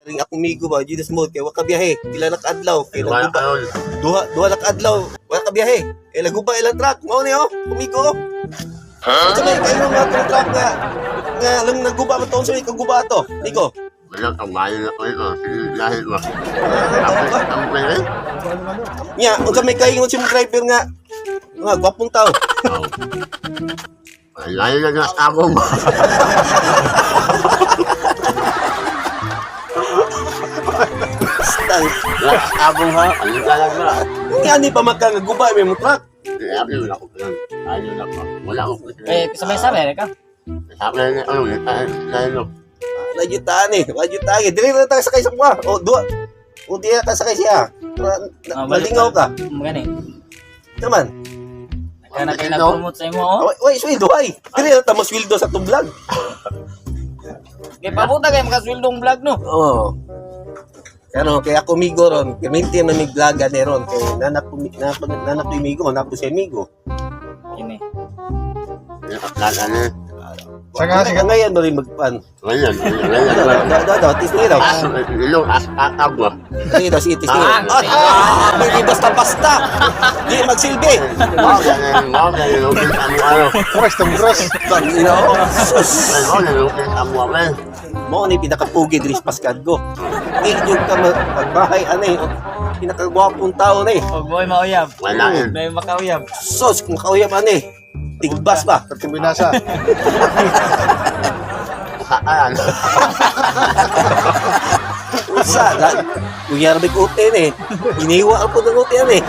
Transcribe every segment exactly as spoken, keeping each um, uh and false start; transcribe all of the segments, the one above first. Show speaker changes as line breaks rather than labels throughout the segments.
Ring akong migo ba, Judas Mode, kay waka biyahe. Pila na kaadlaw, kay
Wala
laguba.
karon.
Duha, duha na kaadlaw, wala ka biyahe. Eh, laguba ilang truck. Mao ni oh, kumigo. Ha? Sa may kayo mga truck nga, nga lang naguba mo taon sa may kaguba to. Migo.
Wala kang mayo na ko ito. Lahit mo. Tapos, ang pwede.
Nya, unsa may kaingon si mga driver nga, nga gwapong tao.
Oo. Lahit na na ako mo.
Stang.
Lahat ako ha. Ano talaga na.
Nga ni pa maka nga guba may mo truck.
Sabi wala ko lang. Ayaw na ko. Wala ko.
Eh, sabay-sabay ka.
Sabi na ano. Ano.
Lajutaan eh, lajutaan eh. Dili na tayo sakay sa mga. O, duha. O, di na tayo sakay siya. Na- na-
Ah, balik
Nalingaw ka.
Magani.
Naman.
Kaya na kayo nag-promote sa imo, oh.
Wait, wait, sweldo ay. Dili na tayo sweldo sa itong vlog.
Kaya pabuta kayo makaswildong vlog, no?
Oo. Pero kaya ako migo ron, kaminti na may vloga ni ron. Kaya nanak ko nanak nanak ko migo, nanak ko si migo.
Yun eh.
Ano.
Saka saka ngayon mo rin magpan.
Ngayon. Ngayon.
Da da da, tis nila.
As, ilong as atag mo.
Tis nila, tis
Ah,
nila. Ah, hindi basta-basta. Di magsilbi.
Wow, ganyan, wow, ganyan, lupin sa mo, ano.
Cross tong cross.
You know? Sus.
Ay, wow, lupin sa mo, men.
Mo ni pinakapugi diri sa Pascadgo. Di yung ka magbahay ano eh. Pinakagwapong tao na eh.
Huwag mo ay mauyab.
Wala yun.
May makauyab.
Sus, kung kauyam ano eh. Tigbas ba?
Terkembinasa.
Saan?
Usa, da. Kuyar may kutin eh. Iniwa ako ng kutin eh.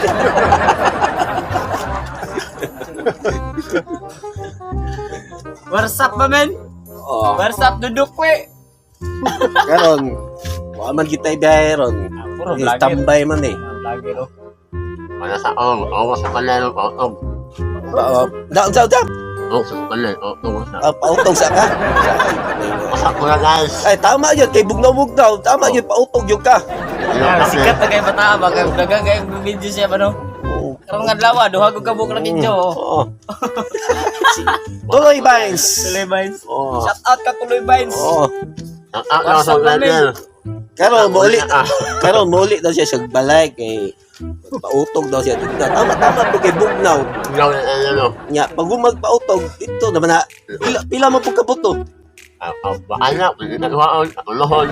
What's up, ba, men?
Oh,
What's up, duduk, we?
karon. Wa man kita ibiyahe ron.
Ah, puro
Eh,
vlogger.
Tambay man eh.
Ah, vlogger, oh.
Wala sa om. Oo, sa kanal. Oo,
Uh, daw, daw, daw.
oo, sa kanal. Oo, sa.
Uh, pautog sa ka.
Masak ko na, guys.
Ay, tama yun. Kay bugnaw-bugnaw. Tama yun. Pautog yun ka.
Ah, sikat na kayo bata ba? Kayo vlogger kayo video siya ba, no?
Oo.
Karong nga lawa, duha ko kabuk na video, oh.
Oo. Tuloy, Vines.
Tuloy Vines.
Oo.
Shout out ka Tuloy Vines.
Oo.
Ang ang ang sa kanal.
Karon muli. Karon muli daw siya sa balay kay pautog daw siya. Tama, tama po kay bugnaw.
Ikaw na, ano.
Nya, pag magpautog, ito naman na, pila, pila mo pagkabuto.
Ang baanak. Pinagwaon. Ang lohon.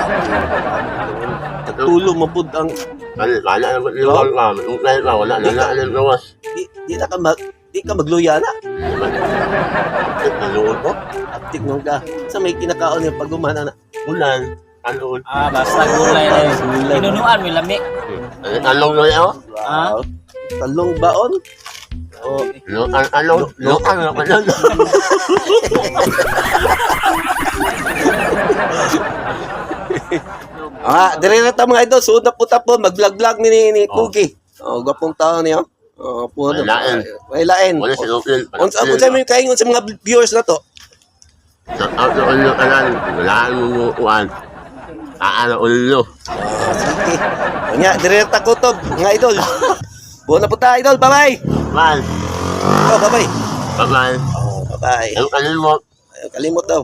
Tulo mo pud ang,
Kali, kala na liwag ka. May ka. Wala na na. Ano gawas.
di, di na ka mag, di ka magluya na.
Naluod ko.
Aptik nung ka. Sa may kinakaon yung pagumana na.
Ulan. Aluod.
Ah, basta gulay na yun.
Gulay.
Inunuan, may lamig.
Along na yun.
Ah?
Wow. Talong baon. Oh,
Lukan, along. Lukan. Lukan.
ah, dire na ta mga idol. Suod na po tapon. Mag-vlog-vlog ni, ni, ni Cookie. Oh, gwapong tao niyo. Oh, po.
May lain.
May lain.
Wala si Lupin.
Unsa unsa may kaingon sa mga viewers na to?
Sa out na ulo ka lang. Wala mo uwan. Aano ulo.
Ah, sige. Nya, dire na ta kutob, mga idol. Buo na po ta, idol. Bye-bye.
Man.
Oh, bye-bye.
Bye-bye.
Oh, bye-bye.
Ang kalimot.
Ayaw kalimot daw.